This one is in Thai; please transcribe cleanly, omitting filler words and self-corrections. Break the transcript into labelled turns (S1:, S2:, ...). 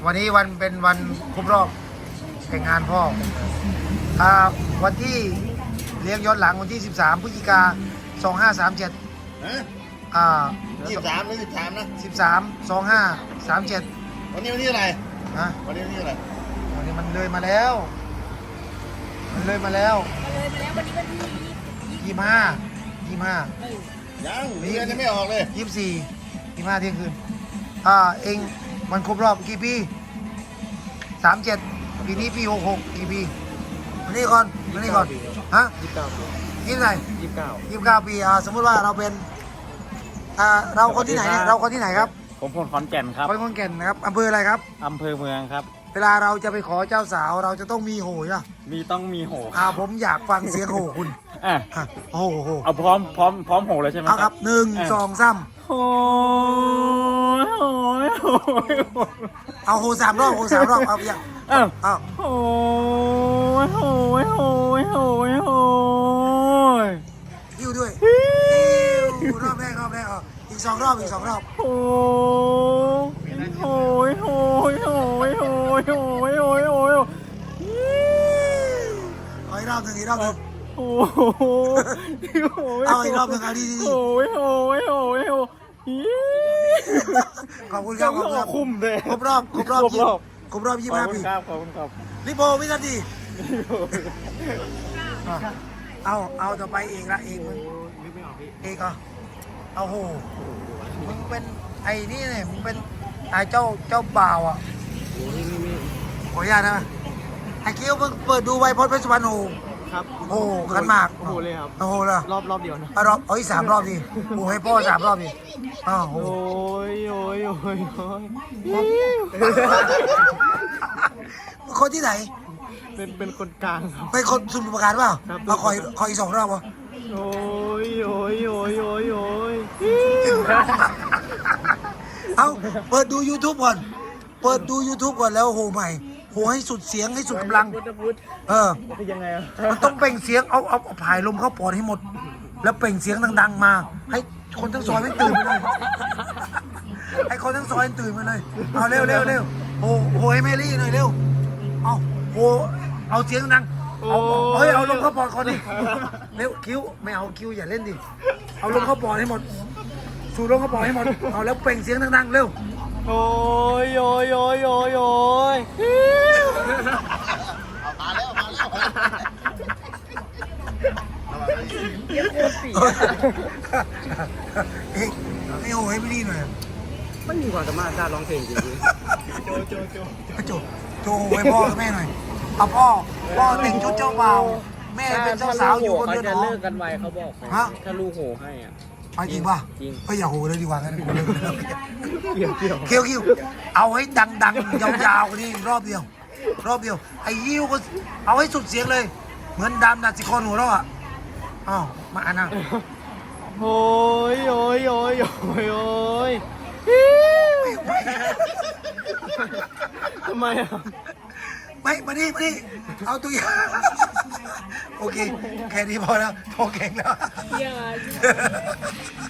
S1: วันนี้วันเป็นวันครบรอบแต่งงานพ่อวันที่เลี้ยงย้อนหลังวันที่13 พฤศจิกา 2537
S2: ฮะ23 หรือ 13 นะ
S1: 13 2537
S2: วันนี้อะไร
S1: ฮะ
S2: วันนี้อะไร
S1: วันนี้มันเลยมาแล้ว วันนี้วันที่25
S2: ยังเดือนยังไม่ออกเลย
S1: 24 25เที่ยงคืนเองมันครบรอบกี่ปี37ปีนี้ปี66กี่ปีมานี่ก่อนฮะยี่สิบไหน29 ปีสมมติว่าเราเป็นเราคนที่ไหนเนี่ยเราคนที่ไหนครับ
S3: ผมคนขอนแก่นครับ
S1: คนขอนแก่นนะครับอำเภออะไรครับ
S3: อำเภอเมืองครับ
S1: เวลาเราจะไปขอเจ้าสาวเราจะต้องมีโหย
S3: ต้องมีโห
S1: ผมอยากฟังเสียงโหคุณโห
S3: เอาพร้อมโหเลยใช่ไหม
S1: ครับ1 2 3
S3: โห
S1: เอาโห3 รอบเอาอย่าง
S3: โห
S1: ยิ้วด้วยรอบแรกอีก2 รอบ
S3: โ
S1: เอาอีกรอบหนึ่ง
S3: โอ้
S1: เอาอีกรอบหนึ่งเอาดีขอบคุณครับ
S3: คุ้มเลย
S1: ครบรอบ25 ปี
S3: ขอบคุณครับ
S1: ลิโปวินาทีเอาต่อไปเองละเองมึงเองเอาโหมึงเป็นไอ้นี่เนี่ยมึงเป็นไอ้เจ้าบ่าวขออนุญาตนะไอ้คิวมึงเปิดดูไวพจน์เพชรสุวรรณโห
S3: ครับ
S1: โอ้ขันหมาก
S3: โอ้โหเลยครับ
S1: โอ้โหเลย
S3: รอบเดียวนะ
S1: 3 รอบดิโอ้ให้พ่อ3 รอบดิ
S3: โอ้ย
S1: คนที่ไหน
S3: เป็นคนกลางครับ
S1: เป็นคนสมุทรปราการเปล่าเอาขออีก2 รอบวะ
S3: โอ้ย
S1: เอาเปิดดู YouTube ก่อนแล้วโหใหม่โหให้สุดเสียงให้สุดกำลัง
S3: คือยังไง
S1: มันต้องเปล่งเสียงเอาผายลมเข้าปอดให้หมดแล้วเปล่งเสียงดังๆมาให้คนทั้งซอยไม่ตื่นไปเลยให้คนทั้งซอยตื่นมาเลยเอาเร็วโหให้แมรี่หน่อยเร็วเอาเสียงดังเอาลมเข้าปอดคนดิเร็วคิ้วไม่เอาคิ้วอย่าเล่นดิเอาลมเข้าปอดให้หมดสูดลมเข้าปอดให้หมดเอาแล้วเปล่งเสียงดังๆเร็ว
S3: โอ้ย
S2: มาแล้ว
S1: ไม่โหให้ไม่ดีหน่อย
S3: ไม่มีความสามารถด้านร้องเพลงจริง
S1: โจให้พ่อกับแม่หน่อยเอาพ่อแต่งชุดเจ้าบ่าวแม่เป็นเจ้าสาวอยู่บนเรือนหอ
S3: เขาจะเลิกกันไวเขาบอกถ้าลูกโหให้
S1: จริงป่ะ
S3: จริง
S1: อย่าโหเลยดีกว่างั้น
S3: เ
S1: กี่ยวเอาให้ดังยาวๆนี่รอบเดียวไอ้ยิ้วก็เอาให้สุดเสียงเลยเหมือนดำดัดสิคอนหัวเรามาอันน่ะ
S3: โอ้ยทำไม
S1: ไม่มานี่เอาตัวอย่างโอเคแค่นี้พอแล้วพอเก่งแล้ว